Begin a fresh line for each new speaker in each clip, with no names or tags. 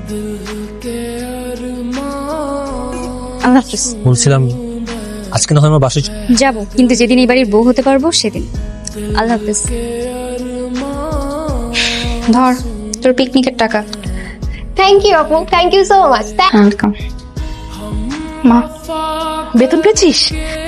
আল্লাহ হাফেজ।
বলছিলাম আজকে না হয় আমার বাসায়
যাবো, কিন্তু যেদিন এই বাড়ির বউ হতে পারবো সেদিন। আল্লাহ হাফেজ। ধর তোর পিকনিকের টাকা।
থ্যাংক ইউ আপু, thank you so much.
Welcome. মা,
বেতন পেয়েছিস?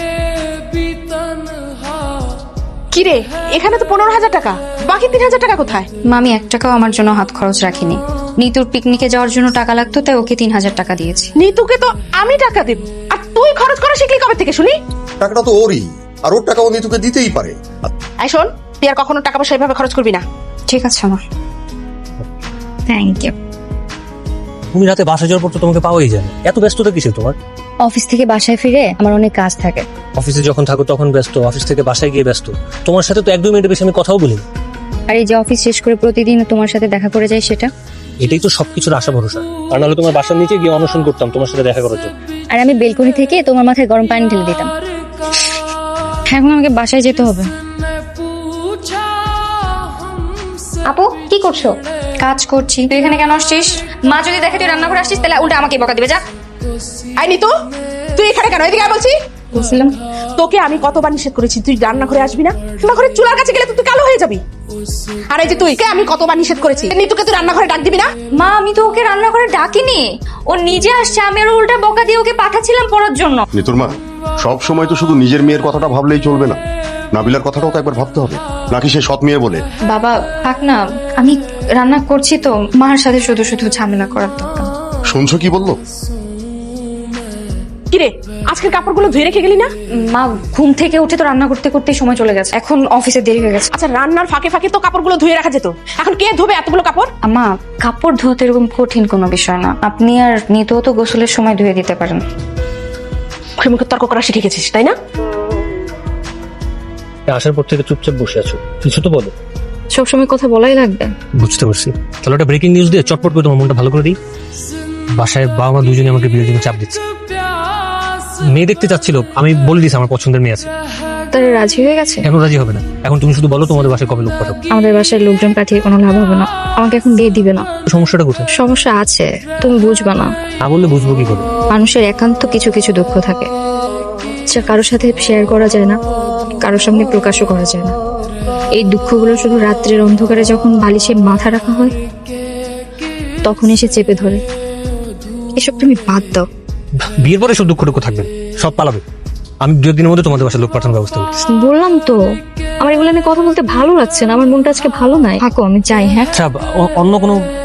কি রে, এখানে তো 15,000 টাকা, বাকি 3,000 টাকা কোথায়?
মা আমি 1 টাকাও আমার জন্য হাত খরচ রাখিনি। নিতুর পিকনিকে যাওয়ার জন্য টাকা লাগতো, তাই ওকে 3,000 টাকা দিয়েছি।
নিতুকে তো আমি টাকা দেব, আর তুই খরচ করা শিখলি কবে থেকে শুনি?
টাকাটা তো ওরই, আর ওর টাকা ও নিতুকে দিতেই পারে।
এই শোন, তুই আর কখনো টাকা পয়সা এভাবে খরচ করবি না।
ঠিক আছে মা। Thank you.
তুমি রাতে বাসায় যাওয়ার পর তো তোমাকে পাওয়াই যায় না। এত ব্যস্ততা কিসের তোমার?
অফিস থেকে বাসায় ফিরে আমার অনেক কাজ থাকে।
অফিসে যখন থাকো তখন ব্যস্ত, অফিস থেকে বাসায় গিয়ে ব্যস্ত। তোমার সাথে তো 1-2 মিনিটের বেশি আমি কথাও বলি না।
আর এই যে অফিস শেষ করে প্রতিদিন তোমার সাথে দেখা করে যাই, সেটা।
এটাই তো সবকিছুর আশা ভরসা। আর নাহলে তোমার বাসার নিচে গিয়ে অনশন করতাম তোমার সাথে দেখা করার জন্য।
আর আমি বেলকনি থেকে তোমার মাথায় গরম পানি ঢেলে দিতাম। এখন আমাকে বাসায় যেতে হবে।
আপু কি করছো?
কাজ করছি। তুই এখানে কেন আসছিস? মা যদি দেখে তুই রান্না করে আসছিস, তাহলে উল্টা আমাকে বকা দিবে। যা।
আই নিতু, তুই এখানে কেন? এদিকে আয় বলছি।
বলছিলাম
তোকে আমি কতবার নিষেধ করেছি তুই রান্না করে আসবি না? রান্নাঘরে চুলার কাছে গেলে তো তুই কালো হয়ে যাবি। আর এই যে তুই, আমি কতবার নিষেধ করেছি নিতুকে তুই রান্নাঘরে ডাক দিবি না?
মা, আমি তো ওকে রান্না করে ডাকিনি, ও নিজে আসছে। আমি আর উল্টা বকা দিয়ে ওকে পাঠাচ্ছিলাম পড়ার জন্য।
নিতুর মা, সব সময় তো শুধু নিজের মেয়ের কথাটা ভাবলেই চলবে না, নাবিলার কথাটাও তো একবার ভাবতে হবে, নাকি সে সৎ মেয়ে বলে?
বাবা থাক না, আমি রান্না করছি তো, মার সাথে শুধু শুধু ঝামেলা করার দরকার।
শুনছো কি বললো?
কিরে, আজকের কাপড়গুলো ধুয়ে রেখে গেলি না?
মা ঘুম থেকে উঠে তো রান্না করতে করতেই সময় চলে গেছে, এখন অফিসে দেরি হয়ে গেছে।
আচ্ছা, রান্নার ফাঁকে ফাঁকে তো কাপড়গুলো ধুয়ে রাখা যেত, এখন কে ধোবে এতগুলো কাপড়?
মা কাপড় ধোতে এরকম কঠিন কোনো বিষয় না, আপনি আর নিতেও তো গোসলের সময় ধুয়ে দিতে পারেন।
মুখে মুখে তর্ক করা শিখে গেছিস তাই না?
আসার পর থেকে চুপচাপ বসে আছো, কিছু তো বলো।
সবসময় কথা বলাই লাগবে?
বুঝতে পারছি। তাহলে একটা ব্রেকিং নিউজ দিয়ে চটপট করে তোমার মনটা ভালো করে দিই। বাসায় বাবা মা দুজনে আমাকে বিয়ের জন্য চাপ দিচ্ছে। মেয়ে দেখতে চাচ্ছিল, আমি বলে দিয়েছি আমার পছন্দের মেয়ে আছে।
তারা রাজি হয়ে গেছে?
কেন রাজি হবে না? এখন তুমি শুধু বলো তোমাদের বাসায় কবে লোক পাঠাবো।
আমাদের বাসায় লোকজন পাঠিয়ে কোনো লাভ হবে না, আমাকে এখন বিয়ে দিবে না।
সমস্যাটা কোথায়?
সমস্যা আছে, তুমি বুঝবা না।
না বললে বুঝবো কি করে?
মানুষের একান্ত কিছু কিছু দুঃখ থাকে, যা কারোর সাথে শেয়ার করা যায় না, কারোর সামনে প্রকাশও করা যায় না। এই দুঃখগুলো শুধু রাত্রের অন্ধকারে যখন বালিশে মাথা রাখা হয়, তখন এসে চেপে ধরে। এসব তুমি বাদ দাও।
বিয়ের পরে সব দুঃখটুকু থাকবে, সব পালাবে। আমি 2 দিনের মধ্যে তোমাদের বাসায় লোক পাঠানোর ব্যবস্থা করতেছি।
বললাম তো, আমার এগুলো নিয়ে কথা বলতে ভালো লাগছে না, আমার মনটা আজকে ভালো নাই। থাকো, আমি যাই। হ্যাঁ
আচ্ছা, অন্য কোনো